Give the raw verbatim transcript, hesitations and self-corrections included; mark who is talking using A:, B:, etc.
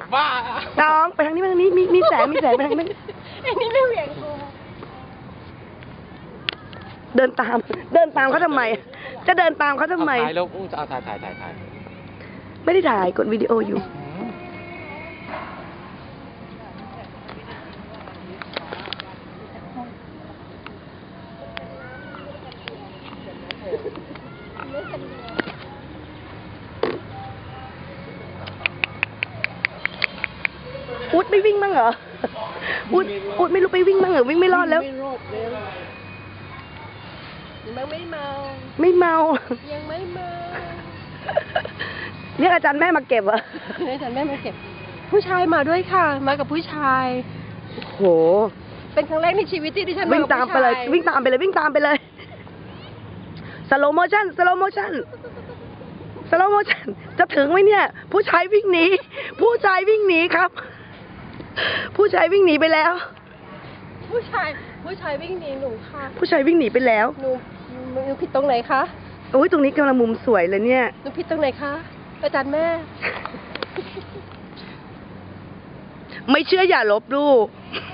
A: บ้า
B: น้องไปทางนี้ไปทางนี้มีมีแสงมีแสงไปทางนี้
C: ไอ้นี่ไม่เหวี่ยงกู
B: เดินตาม เดินตามเขาทำไม จะเดินตามเขาทำไม
A: ถ่ายแล้วอู้จะเอาถ่ายถ่ายถ่ายถ่าย
B: ไม่ได้ถ่ายกดวิดีโออยู่อุดไม่วิ่งบ้างเหรออุดอุดไม่รู้ไปวิ่งบ้างเหรอวิ่งไม่รอดแล้ว
C: ไม่รอดแล้วยังไม่เมา
B: ไม่เมา
C: ยังไม่เมา
B: เรียกอาจารย์แม่มาเก็บเหรอ
C: อาจารย์แม่มาเก็บ ผู้ชายมาด้วยค่ะ มากับผู้ชาย
B: โห
C: เป็นครั้งแรกในชีวิตที่ดิฉัน
B: วิ่งตามไปเลย วิ่งตามไปเลยวิ่งตามไปเลยสโลโมชั่นสโลโมชั่นสโลโมชั่นจะถึงไหมเนี่ย ผู้ชายวิ่งหนีผู้ชายวิ่งหนีครับ ผู้ชายวิ่งหนีไปแล้ว
C: ผู้ชายผู้ชายวิ่งหนีหนูค่ะ
B: ผู้ชายวิ่งหนีไปแล้ว
C: หนูหนูผิดตรงไหนคะ
B: โอ้ยตรงนี้กำลังมุมสวยเลยเนี่ย
C: หนูผิดตรงไหนคะอาจารย์แม่
B: ไม่เชื่ออย่าลบหลู่